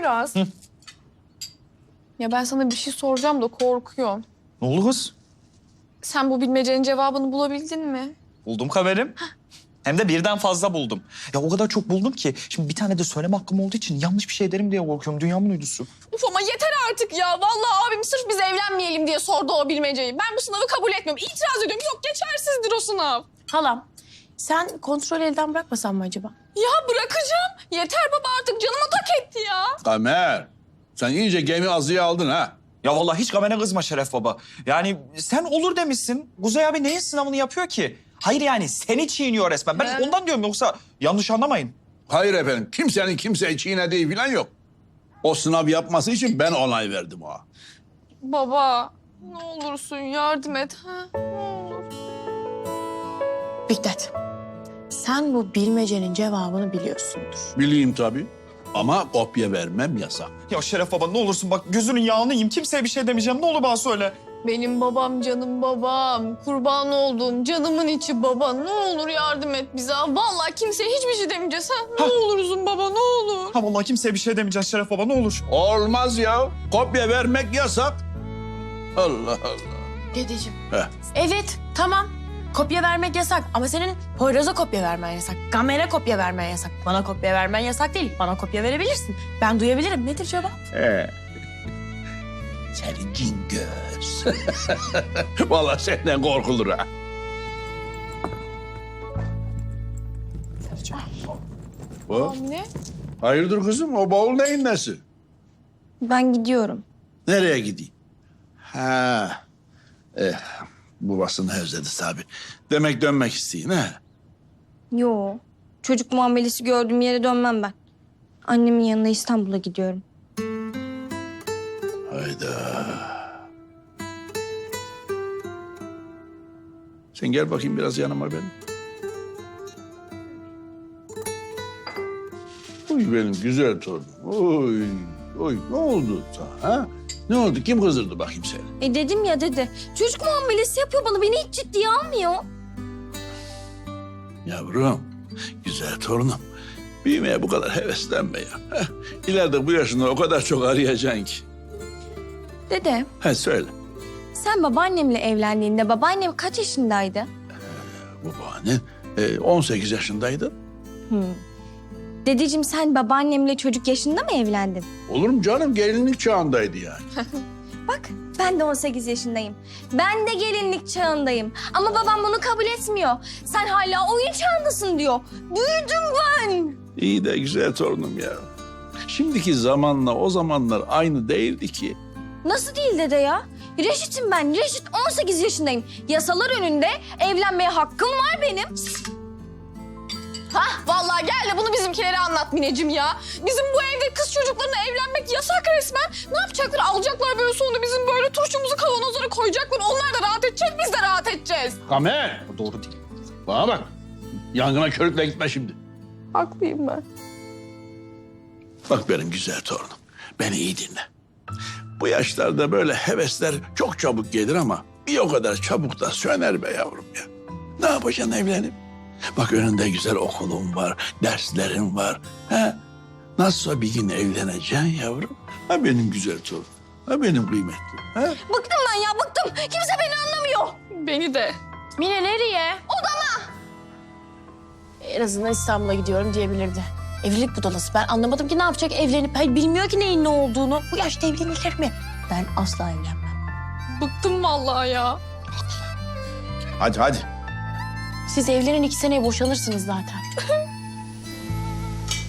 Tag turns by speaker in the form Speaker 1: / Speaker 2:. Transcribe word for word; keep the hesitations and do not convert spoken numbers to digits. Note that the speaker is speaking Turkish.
Speaker 1: Poyraz.
Speaker 2: Hı.
Speaker 1: Ya ben sana bir şey soracağım da korkuyorum.
Speaker 2: Ne oldu kız?
Speaker 1: Sen bu bilmecenin cevabını bulabildin mi?
Speaker 2: Buldum kaverim. Hem de birden fazla buldum. Ya o kadar çok buldum ki şimdi bir tane de söyleme hakkım olduğu için yanlış bir şey derim diye korkuyorum. Dünyamın uydusu.
Speaker 1: Uf ama yeter artık ya. Vallahi abim sırf biz evlenmeyelim diye sordu o bilmeceyi. Ben bu sınavı kabul etmiyorum. İtiraz ediyorum. Yok geçersizdir o sınav.
Speaker 3: Halam, sen kontrol elden bırakmasan mı acaba?
Speaker 1: Ya bırakacağım. Yeter baba artık canıma tak etti ya.
Speaker 4: Kamer, sen iyice gemi azıya aldın ha.
Speaker 2: Ya vallahi hiç gamene kızma Şeref baba. Yani sen olur demişsin. Kuzey abi neyin sınavını yapıyor ki? Hayır yani seni çiğniyor resmen. Ben
Speaker 1: He.
Speaker 2: ondan diyorum yoksa yanlış anlamayın.
Speaker 4: Hayır efendim, kimsenin kimseyi çiğnediği falan yok. O sınav yapması için ben onay verdim o.
Speaker 1: Baba ne olursun yardım et. Ha? Ne olur.
Speaker 3: Bigdat, sen bu bilmecenin cevabını biliyorsundur.
Speaker 4: Bileyim tabii ama kopya vermem yasak.
Speaker 2: Ya Şeref baba ne olursun bak gözünün yağını yiyeyim. Kimseye bir şey demeyeceğim. Ne olur bana söyle.
Speaker 1: Benim babam canım babam. Kurban olduğum canımın içi baba. Ne olur yardım et bize. Vallahi kimseye hiçbir şey demeyeceğiz. Ha? Ne
Speaker 2: Ha.
Speaker 1: olursun baba ne olur.
Speaker 2: Ha vallahi kimseye bir şey demeyeceğiz Şeref baba ne olur.
Speaker 4: Olmaz ya, kopya vermek yasak. Allah Allah.
Speaker 3: Dedeciğim.
Speaker 4: Heh.
Speaker 3: Evet, tamam. Kopya vermek yasak ama senin Poyraz'a kopya vermen yasak. Gamer'e kopya vermen yasak. Bana kopya vermen yasak değil. Bana kopya verebilirsin. Ben duyabilirim. Nedir cevap?
Speaker 4: He. Seni cingöz. Vallahi senden korkulur ha. O?
Speaker 1: Anne.
Speaker 4: Hayırdır kızım, o bavul neyin nesi?
Speaker 5: Ben gidiyorum.
Speaker 4: Nereye gideyim? Ha. Eh, babasını özledi tabii. Demek dönmek isteyin ha?
Speaker 5: Yo. Çocuk muamelesi gördüğüm yere dönmem ben. Annemin yanına İstanbul'a gidiyorum.
Speaker 4: Hayda. Sen gel bakayım biraz yanıma benim. Uy benim güzel torunum. Oy, oy ne oldu sana ha? Ne oldu? Kim kızdırdı bakayım seni?
Speaker 5: E dedim ya dede. Çocuk muamelesi yapıyor bana. Beni hiç ciddiye almıyor.
Speaker 4: Yavrum, güzel torunum. Büyümeye bu kadar heveslenme ya. Heh, İleride bu yaşında o kadar çok arayacaksın ki.
Speaker 5: Dede,
Speaker 4: Ha söyle.
Speaker 5: sen babaannemle evlendiğinde babaannem kaç yaşındaydı?
Speaker 4: Babaannen e, on sekiz yaşındaydı.
Speaker 5: Dedeciğim sen babaannemle çocuk yaşında mı evlendin?
Speaker 4: Olur mu canım? Gelinlik çağındaydı yani.
Speaker 5: Bak ben de on sekiz yaşındayım. Ben de gelinlik çağındayım. Ama babam bunu kabul etmiyor. Sen hala oyun çağındasın diyor. Büyüdüm ben.
Speaker 4: İyi de güzel torunum ya. Şimdiki zamanla o zamanlar aynı değildi ki.
Speaker 5: Nasıl değil dede ya? Reşit'im ben. Reşit on sekiz yaşındayım. Yasalar önünde evlenmeye hakkım var benim.
Speaker 1: Hah vallahi gel de bunu bizimkilere anlat Mineciğim ya. Bizim bu evde kız çocuklarına evlenmek yasak resmen. Ne yapacaklar? Alacaklar böyle sonra bizim böyle turşumuzu kavanozlara koyacaklar. Onlar da rahat edecek, biz de rahat edeceğiz.
Speaker 4: Kamer!
Speaker 2: O doğru değil.
Speaker 4: Bana bak. Yangına körükle gitme şimdi.
Speaker 1: Haklıyım ben.
Speaker 4: Bak benim güzel torunum. Beni iyi dinle. Bu yaşlarda böyle hevesler çok çabuk gelir ama bir o kadar çabuk da söner be yavrum ya. Ne yapacaksın evlenip? Bak önünde güzel okulun var, derslerin var. He? Nasılsa bir gün evleneceksin yavrum. Ha benim güzel torunum. Ha benim kıymetlim. Ha?
Speaker 5: Bıktım ben ya bıktım. Kimse beni anlamıyor.
Speaker 1: Beni de.
Speaker 3: Mine nereye?
Speaker 5: Odama.
Speaker 3: En azından İstanbul'a gidiyorum diyebilirdi. Evlilik budalası. Ben anlamadım ki ne yapacak evlenip. Hayır, bilmiyor ki neyin ne olduğunu. Bu yaşta evlenilir mi? Ben asla evlenmem.
Speaker 1: Bıktım vallahi ya.
Speaker 2: Hadi hadi.
Speaker 3: Siz evlenin iki seneye boşanırsınız zaten.